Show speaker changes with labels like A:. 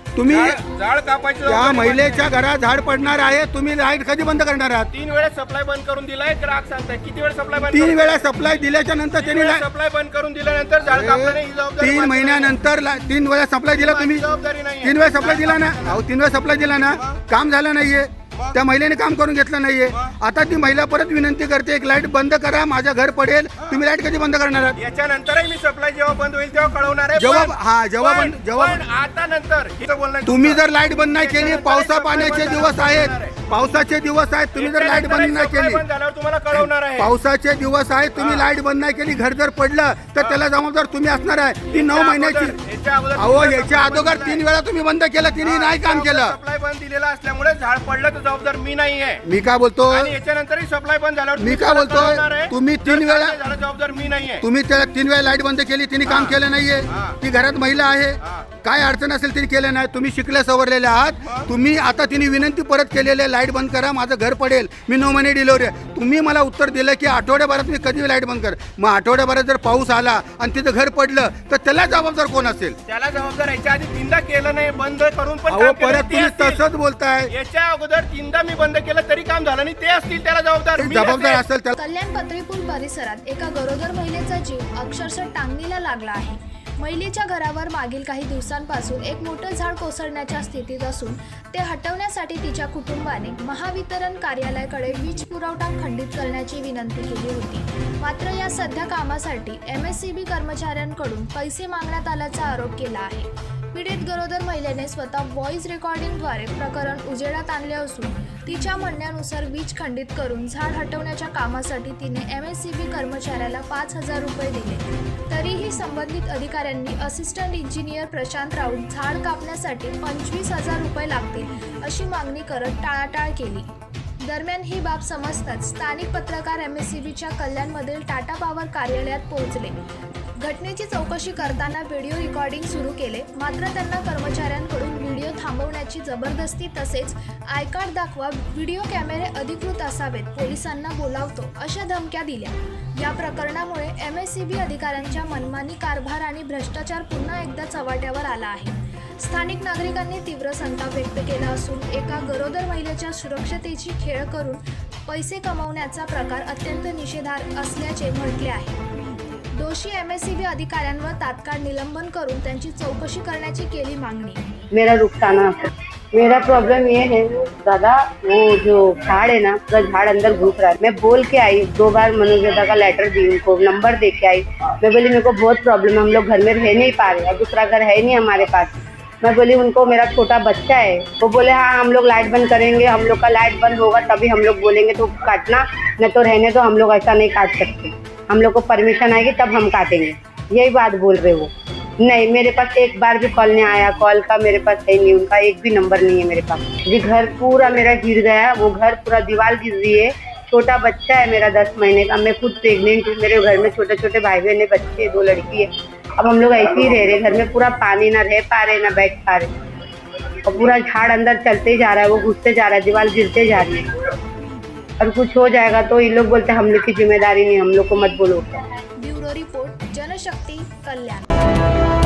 A: तुम्ही
B: झाड कापायचं
A: त्या महिलेच्या घरात झाड पडणार आहे, तुम्ही लाईट कधी बंद करणार आहात?
B: 3 वेळेस सप्लाय बंद करून दिलाय. ग्राहक सांगताय किती वेळ सप्लाय बंद
A: 3 वेळा सप्लाय दिल्याच्या नंतर त्यांनी
B: सप्लाय बंद करून दिल्यानंतर झाड कापल्याने ही जबाबदारी
A: 3 महिन्यानंतर 3 वेळा सप्लाय दिला तुम्ही.
B: जबाबदारी नाही.
A: 3 वेळा सप्लाय दिला ना? अहो 3 वेळा सप्लाय दिला ना, काम झालं नाहीये, त्या महिलेने काम करून घेतलं नाहीये. आता ती महिला परत विनंती करते एक लाईट बंद करा, माझं घर पडेल. तुम्ही लाईट कधी बंद करणार आहात?
B: याच्यानंतरही मी सप्लाय जेव्हा बंद होईल तेव्हा कळवणार आहे.
A: जेव्हा
B: आता नंतर हिचं बोलणं आहे.
A: तुम्ही जर लाईट बंद नाही केली, पावसा पाण्याचे दिवस आहेत, पावसाचे दिवस आहेत, तुम्ही जर लाईट बंद नाही
B: सप्लाय
A: केली,
B: बंद झाल्यावर तुम्हाला कळवणार आहे.
A: पावसाचे दिवस आहेत, तुम्ही लाईट बंद नाही केली, घर जर पडलं तर त्याला जबाबदार तुम्ही असणार आहे. ती 9 महिन्याची. अहो याच्या अगोदर 3 वेळा तुम्ही बंद केलं, तिने नाही काम केलं.
B: सप्लाय बंद दिलेला असल्यामुळे झाड पडलं तर जबाबदार मी नाही आहे.
A: मी काय बोलतो,
B: आणि याच्यानंतरही सप्लाय बंद झाल्यावर
A: मी काय बोलतोय, तुम्ही 3 वेळा
B: झालं जबाबदार मी नाही आहे.
A: तुम्ही त्याला 3 वेळा लाईट बंद केली, तिने काम केलं नाहीये. ती घरात महिला आहे, काय अडचण असेल तिने केलं नाही. तुम्ही शिकले सवरलेले आहात. तुम्ही आता तिने विनंती परत केलेली आहे लाईट बंद करा, माझं घर पडेल, मी 9 महिने डिलिव्हरी आहे. तुम्ही मला उत्तर दिलं की आठवड्याभरात मी कधी लाईट बंद कर. मग आठवड्याभरात जर पाऊस आला आणि तिथं घर पडलं तर त्याला जबाबदार कोण असेल?
B: त्याला जबाबदार याच्या आधी 3दा केलं नाही, बंद करून पण
A: अहो
B: काम केलं
A: परत
B: ते
A: तुम्ही
B: असतील.
A: तसंच बोलताय.
B: याच्या अगोदर 3दा मी बंद केलं तरी काम झालं नाही, ते असतील त्याला जबाबदार मी
A: जबाबदार
B: असेल.
A: असेल त्याला.
C: कल्याण पत्रीपूल परिसरात एका गरोदर महिलेचा जीव अक्षरशः टांगणीला लागला आहे. महिलेच्या घरावर मागील काही दिवसांपासून एक मोठं झाड कोसळण्याच्या स्थितीत असून ते हटवण्यासाठी तिच्या कुटुंबाने महावितरण कार्यालयाकडे वीज पुरवठा खंडित करण्याची विनंती केली होती. मात्र या सध्या कामासाठी MSCB कर्मचाऱ्यांकडून पैसे मागण्यात आल्याचा आरोप केला आहे. पीडित गरोदर महिलेने स्वतः व्हॉइस रेकॉर्डिंगद्वारे प्रकरण उजेडात आणले असून तिच्या म्हणण्यानुसार वीज खंडित करून झाड हटवण्याच्या कामासाठी तिने MSCB कर्मचाऱ्याला 5,000 रुपये दिले. तरीही संबंधित अधिकाऱ्यांनी असिस्टंट इंजिनियर प्रशांत राऊत झाड कापण्यासाठी 25,000 रुपये लागतील अशी मागणी करत टाळाटाळ केली. दरम्यान ही बाब समजताच स्थानिक पत्रकार MSCBच्या कल्याणमधील टाटा पॉवर कार्यालयात पोहोचले. घटनेची चौकशी करताना व्हिडिओ रेकॉर्डिंग सुरू केले. मात्र त्यांना कर्मचाऱ्यांकडून व्हिडिओ थांबवण्याची जबरदस्ती तसेच आय कार्ड दाखवा, व्हिडिओ कॅमेरे अधिकृत असावेत, पोलिसांना बोलावतो अशा धमक्या दिल्या. या प्रकरणामुळे MSCB अधिकाऱ्यांच्या मनमानी कारभार आणि भ्रष्टाचार पुन्हा एकदा चव्हाट्यावर आला आहे. स्थानिक नागरिकांनी तीव्र संताप व्यक्त केला असून एका गरोदर महिलेच्या सुरक्षतेची खेळ करून पैसे कमवण्याचा प्रकार अत्यंत निषेधार्ह असल्याचे म्हटले आहे. दोषी MSCB अधिकाऱ्यांवर तात्काळ निलंबन करून त्यांची चौकशी करण्याची केली मागणी.
D: मेरा रुखसाना मेरा प्रॉब्लम ये है दादा, वो जो झाड़ है ना, तो झाड़ अंदर घुस रहा है. मैं बोल के आई 2 बार मनोजदा का लेटर दी, उनको नंबर दे के आई. मैं बोली मेरे को बहुत प्रॉब्लम है, हम लोग घर में रह नहीं पा रहे, दूसरा घर है नहीं हमारे पास. मैं बोली उनको मेरा छोटा बच्चा है. वो बोले हाँ हम लोग लाइट बंद करेंगे, हम लोग का लाइट बंद होगा तभी हम लोग बोलेंगे तो काटना, न तो रहने दो, हम लोग ऐसा नहीं काट सकते, हम लोग को परमिशन आएगी तब हम काटेंगे. यही बात बोल रहे वो. नहीं, मेरे पास एक बार भी कॉल नहीं आया, कॉल का मेरे पास है नहीं, उनका एक भी नंबर नहीं है मेरे पास. जी घर पूरा मेरा गिर गया, वो घर पूरा दीवार गिर रही है. छोटा बच्चा है मेरा 10 महीने का, मैं खुद प्रेग्नेंट हूँ, मेरे घर में छोटे छोटे भाई बहन है, बच्चे 2 लड़की है. अब हम लोग ऐसे ही रह रहे, घर में पूरा पानी, ना रह पा रहे ना बैठ पा रहे, और पूरा झाड़ अंदर चलते जा रहा है, वो घुसते जा रहा है, दीवार गिरते जा रही है. और कुछ हो जाएगा तो ये लोग बोलते हम लोग की जिम्मेदारी नहीं, हम लोग को मत बोलो.
C: ब्युरो रिपोर्ट, जनशक्ती, कल्याण.